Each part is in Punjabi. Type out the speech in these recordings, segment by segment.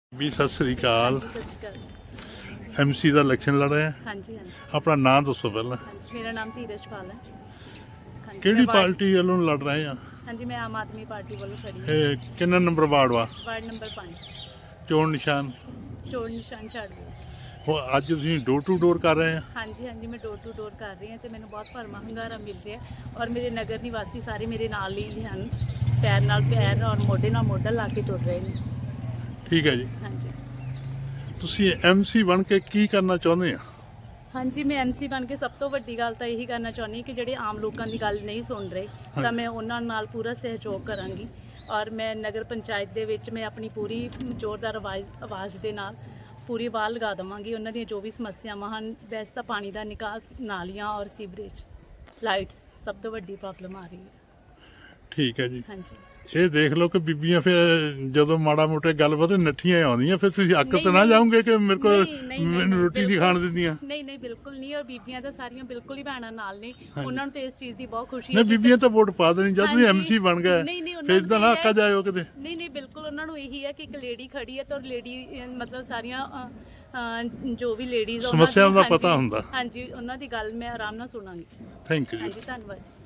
ਵੀ ਸਤਿ ਸ੍ਰੀ ਅਕਾਲ। ਸਤਿ ਸ਼੍ਰੀ ਅਕਾਲ। ਐਮਸੀ ਦਾ ਇਲੈਕਸ਼ਨ ਲੜ ਰਹੇ ਆ। ਹਾਂਜੀ ਹਾਂਜੀ ਆਪਣਾ ਨਾਂ ਦੱਸੋ ਪਹਿਲਾਂ। ਹਾਂਜੀ ਮੇਰਾ ਨਾਮ ਧੀਰਜਪਾਲ ਹੈ। ਹਾਂਜੀ ਕਿਹੜੀ ਮੈਂ ਪਾਰਟੀ ਵੱਲੋਂ ਲੜ ਰਹੇ ਆ? ਹਾਂਜੀ ਮੈਂ ਆਮ ਆਦਮੀ ਪਾਰਟੀ ਵੱਲੋਂ ਖੜੀ ਹਾਂ। ਇਹ ਕਿੰਨਾ ਨੰਬਰ ਵਾਰਡ ਵਾ? ਵਾਰਡ ਨੰਬਰ 5 ਚੋਣ ਨਿਸ਼ਾਨ ਚੋਣ ਨਿਸ਼ਾਨ ਛੱਡ ਦਿਓ। ਉਹ ਅੱਜ ਤੁਸੀਂ ਡੋਰ ਟੂ ਡੋਰ ਕਰ ਰਹੇ ਆ? ਹਾਂਜੀ ਹਾਂਜੀ ਮੈਂ ਡੋਰ ਟੂ ਡੋਰ ਕਰ ਰਹੀ ਹਾਂ ਤੇ ਮੈਨੂੰ ਬਹੁਤ ਭਰਮਾ ਹੁੰਗਾਰਾ ਮਿਲ ਰਿਹਾ ਔਰ ਮੇਰੇ ਨਗਰ ਨਿਵਾਸੀ ਸਾਰੇ ਮੇਰੇ ਨਾਲ ਹੀ ਹਨ। ਪੈਰ ਨਾਲ ਪੈਰ ਔਰ ਮੋਢੇ ਨਾਲ ਮੋਢਾ ਲਾ ਕੇ ਤੁਰ ਰਹੇ ਨੇ। ਠੀਕ ਹੈ ਜੀ। ਹਾਂਜੀ ਤੁਸੀਂ ਐਮਸੀ ਬਣ ਕੇ ਕੀ ਕਰਨਾ ਚਾਹੁੰਦੇ ਆ? ਹਾਂਜੀ ਮੈਂ ਐਮਸੀ ਬਣ ਕੇ ਸਭ ਤੋਂ ਵੱਡੀ ਗੱਲ ਤਾਂ ਇਹੀ ਕਰਨਾ ਚਾਹੁੰਦੀ ਕਿ ਜਿਹੜੇ ਆਮ ਲੋਕਾਂ ਦੀ ਗੱਲ ਨਹੀਂ ਸੁਣ ਰਹੇ ਤਾਂ ਮੈਂ ਉਹਨਾਂ ਨਾਲ ਪੂਰਾ ਸਹਿਯੋਗ ਕਰਾਂਗੀ ਔਰ ਮੈਂ ਨਗਰ ਪੰਚਾਇਤ ਦੇ ਵਿੱਚ ਮੈਂ ਆਪਣੀ ਪੂਰੀ ਜ਼ੋਰਦਾਰ ਆਵਾਜ਼ ਦੇ ਨਾਲ ਪੂਰੀ ਆਵਾਜ਼ ਲਗਾ ਦੇਵਾਂਗੀ। ਉਹਨਾਂ ਦੀਆਂ ਜੋ ਵੀ ਸਮੱਸਿਆਵਾਂ ਹਨ, ਵੈਸੇ ਤਾਂ ਪਾਣੀ ਦਾ ਨਿਕਾਸ, ਨਾਲੀਆਂ ਔਰ ਸੀਵਰੇਜ, ਲਾਈਟਸ ਸਭ ਤੋਂ ਵੱਡੀ ਪ੍ਰੋਬਲਮ ਆ ਰਹੀ ਹੈ। ਠੀਕ ਹੈ ਜੀ। ਹਾਂਜੀ ਇਹ ਦੇਖ ਲਓ ਕਿ ਬੀਬੀਆਂ ਫਿਰ ਜਦੋਂ ਮਾੜਾ ਮੋਟੇ ਗੱਲਬਾਤ ਨੱਠੀਆਂ ਆਉਂਦੀਆਂ, ਫਿਰ ਤੁਸੀਂ ਅੱਕ ਤੇ ਨਾ ਨਹੀਂ, ਜਾਓਗੇ ਕਿ ਮੇਰੇ ਕੋਲ ਨਹੀਂ, ਮੈਨੂੰ ਰੋਟੀ ਨਹੀਂ ਖਾਣ ਦਿੰਦੀਆਂ? ਨਹੀਂ ਨਹੀਂ ਬਿਲਕੁਲ ਨਹੀਂ। ਔਰ ਬੀਬੀਆਂ ਤਾਂ ਸਾਰੀਆਂ ਬਿਲਕੁਲ ਹੀ ਭੈਣਾਂ ਨਾਲ ਨੇ। ਉਹਨਾਂ ਨੂੰ ਤਾਂ ਇਸ ਚੀਜ਼ ਦੀ ਬਹੁਤ ਖੁਸ਼ੀ ਨਹੀਂ, ਹੈ। ਬੀਬੀਆਂ ਤਾਂ ਵੋਟ ਪਾ ਦੇਣੀ ਜਦ ਤੁਸੀਂ ਐਮਸੀ ਬਣ ਗਏ। ਨਹੀਂ, ਉਹਨਾਂ ਫਿਰ ਨੂੰ ਤਾਂ ਨਾ ਇਹ ਅੱਕਾ ਜਾਇਓ ਕਿਤੇ। ਨਹੀਂ ਨਹੀਂ ਬਿਲਕੁਲ ਉਹਨਾਂ ਨੂੰ ਇਹੀ ਹੈ ਕਿ ਇੱਕ ਲੇਡੀ ਖੜੀ ਹੈ ਤਾਂ ਲੇਡੀ ਮਤਲਬ ਸਾਰੀਆਂ ਜੋ ਵੀ ਲੇਡੀਜ਼ ਸਮੱਸਿਆਵਾਂ ਦਾ ਪਤਾ ਹੁੰਦਾ। ਹਾਂਜੀ ਉਹਨਾਂ ਦੀ ਗੱਲ ਮੈਂ ਆਰਾਮ ਨਾਲ ਸੁਣਾਂਗੀ। ਥੈਂਕ ਯੂ ਜੀ। ਹਾਂਜੀ ਧੰਨਵਾਦ ਜੀ।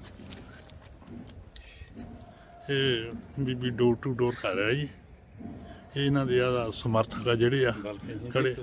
ਇਹ ਬੀਬੀ ਡੋਰ ਟੂ ਡੋਰ ਕਰ ਰਿਹਾ ਜੀ। ਇਹ ਇਹਨਾਂ ਦੇ ਆ ਸਮਰਥਕ ਆ ਜਿਹੜੇ ਆ ਖੜੇ।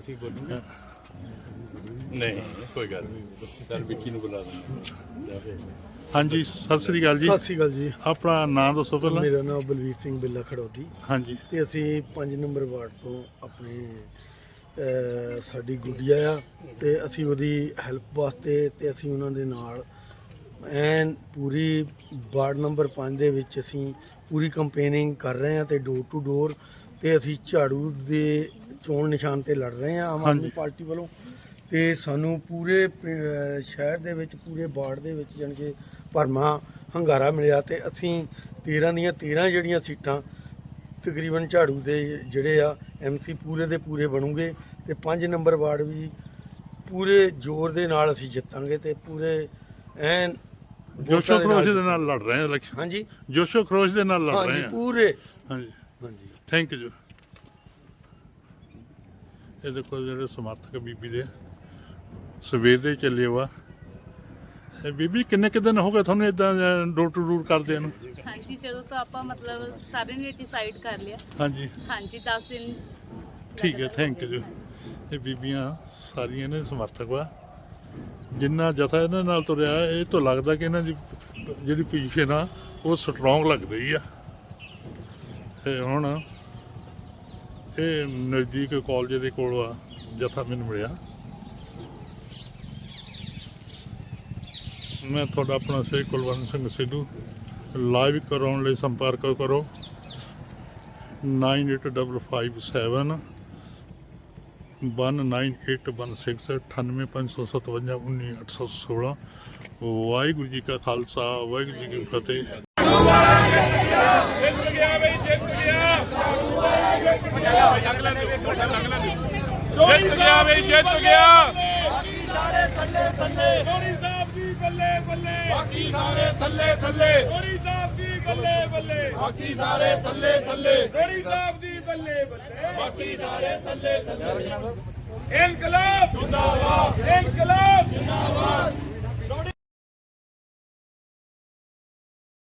ਨਹੀਂ ਕੋਈ ਗੱਲ ਨਹੀਂ, ਸਰ ਵਿੱਕੀ ਨੂੰ ਬੁਲਾ ਦਿੰਦੇ। ਹਾਂਜੀ ਸਤਿ ਸ੍ਰੀ ਅਕਾਲ ਜੀ। ਸਤਿ ਸ਼੍ਰੀ ਅਕਾਲ ਜੀ। ਆਪਣਾ ਨਾਮ ਦੱਸੋ ਪਹਿਲਾਂ। ਮੇਰਾ ਨਾਮ ਬਲਵੀਰ ਸਿੰਘ ਬਿੱਲਾ ਖੜੌਦੀ ਹਾਂਜੀ ਤੇ ਅਸੀਂ 5 ਨੰਬਰ ਵਾਰਡ ਤੋਂ ਆਪਣੇ ਸਾਡੀ ਗੁੱਡੀਆ ਆ ਤੇ ਅਸੀਂ ਉਹਦੀ ਹੈਲਪ ਵਾਸਤੇ ਤੇ ਅਸੀਂ ਉਹਨਾਂ ਦੇ ਨਾਲ ਐਨ ਪੂਰੀ ਵਾਰਡ ਨੰਬਰ 5 ਦੇ ਵਿੱਚ ਅਸੀਂ ਪੂਰੀ ਕੰਪੇਨਿੰਗ ਕਰ ਰਹੇ ਹਾਂ ਤੇ ਡੋਰ ਟੂ ਡੋਰ ਤੇ ਅਸੀਂ ਝਾੜੂ ਦੇ ਚੋਣ ਨਿਸ਼ਾਨ ਤੇ ਲੜ ਰਹੇ ਹਾਂ ਆਮ ਆਦਮੀ ਪਾਰਟੀ ਵੱਲੋਂ। ਤੇ ਸਾਨੂੰ ਪੂਰੇ ਸ਼ਹਿਰ ਦੇ ਵਿੱਚ ਪੂਰੇ ਵਾਰਡ ਦੇ ਵਿੱਚ ਜਾਣੀ ਕਿ ਭਰਮਾ ਹੰਗਾਰਾ ਮਿਲਿਆ ਤੇ ਅਸੀਂ 13 ਦੀਆਂ 13 ਜਿਹੜੀਆਂ ਸੀਟਾਂ ਤਕਰੀਬਨ ਝਾੜੂ ਦੇ ਜਿਹੜੇ ਆ ਐਮਸੀ ਪੂਰੇ ਦੇ ਪੂਰੇ ਬਣੂਗੇ ਤੇ 5 ਨੰਬਰ ਵਾਰਡ ਵੀ ਪੂਰੇ ਜ਼ੋਰ ਦੇ ਨਾਲ ਅਸੀਂ ਜਿੱਤਾਂਗੇ ਤੇ ਪੂਰੇ ਐਨ ਜੋਸ਼ੋ ਖਰੋਸ਼ ਦੇ ਨਾਲ ਲੜ ਰਹੇ ਆ ਇਲੈਕਸ਼ਨ। ਹਾਂਜੀ ਜੋਸ਼ੋ ਖਰੋਸ਼ ਦੇ ਨਾਲ ਲੜ ਰਹੇ ਹਾਂਜੀ ਆ। ਪੂਰੇ ਹਾਂਜੀ ਹਾਂਜੀ ਥੈਂਕ ਯੂ। ਇਹ ਦੇਖੋ ਜਿਹੜੇ ਸਮਰਥਕ ਬੀਬੀ ਦੇ ਸਵੇਰ ਦੇ ਚੱਲੇ ਵਾ। ਇਹ ਬੀਬੀ ਕਿੰਨੇ ਦਿਨ ਹੋ ਗਏ ਤੁਹਾਨੂੰ ਇਦਾਂ ਡੋਰ ਟੂ ਡੋਰ ਕਰਦੇ ਨੂੰ? ਹਾਂਜੀ ਜਦੋਂ ਤੋਂ ਆਪਾਂ ਮਤਲਬ ਸਾਰੇ ਨੇ ਡਿਸਾਈਡ ਕਰ ਲਿਆ। ਹਾਂਜੀ ਹਾਂਜੀ 10 ਦਿਨ। ਠੀਕ ਹੈ ਥੈਂਕ ਯੂ। ਇਹ ਬੀਬੀਆਂ ਸਾਰੀਆਂ ਨੇ ਸਮਰਥਕ ਵਾ। ਜਿੰਨਾ ਜਥਾ ਇਹਨਾਂ ਨਾਲ ਤੁਰਿਆ ਇਹ ਤੋਂ ਲੱਗਦਾ ਕਿ ਇਹਨਾਂ ਦੀ ਜਿਹੜੀ ਪੋਜੀਸ਼ਨ ਆ ਉਹ ਸਟਰੋਂਗ ਲੱਗ ਰਹੀ ਆ। ਤੇ ਹੁਣ ਇਹ ਨਜ਼ਦੀਕ ਕਾਲਜ ਦੇ ਕੋਲ ਆ ਜਥਾ ਮੈਨੂੰ ਮਿਲਿਆ। ਮੈਂ ਤੁਹਾਡਾ ਆਪਣਾ ਸ੍ਰੀ ਕੁਲਵੰਤ ਸਿੰਘ ਸਿੱਧੂ। ਲਾਈਵ ਕਰਾਉਣ ਲਈ ਸੰਪਰਕ ਕਰੋ 9855 19816 98557 19816। ਵਾਹਿਗੁਰੂ ਜੀ ਕਾ ਖਾਲਸਾ ਵਾਹਿਗੁਰੂ ਜੀ ਕੀ ਫਤਿਹ। ਜਿੱਤ ਗਿਆ ਬਈ ਜਿੱਤ ਗਿਆ। ਸਾਰੇ ਥੱਲੇ ਥੱਲੇ ਗੋਰੀ ਸਾਹਿਬ ਦੀ ਬੱਲੇ ਬੱਲੇ, ਬਾਕੀ ਸਾਰੇ ਥੱਲੇ ਥੱਲੇ ਗੋਰੀ ਸਾਹਿਬ ਦੀ ਬੱਲੇ ਬੱਲੇ, ਬਾਕੀ ਸਾਰੇ ਥੱਲੇ ਥੱਲੇ ਗੋਰੀ ਸਾਹਿਬ ਦੀ ਬੱਲੇ ਬੱਲੇ, ਬਾਕੀ ਸਾਰੇ ਥੱਲੇ ਥੱਲੇ ਇਨਕਲਾਬ ਜਿੰਦਾਬਾਦ, ਇਨਕਲਾਬ ਜਿੰਦਾਬਾਦ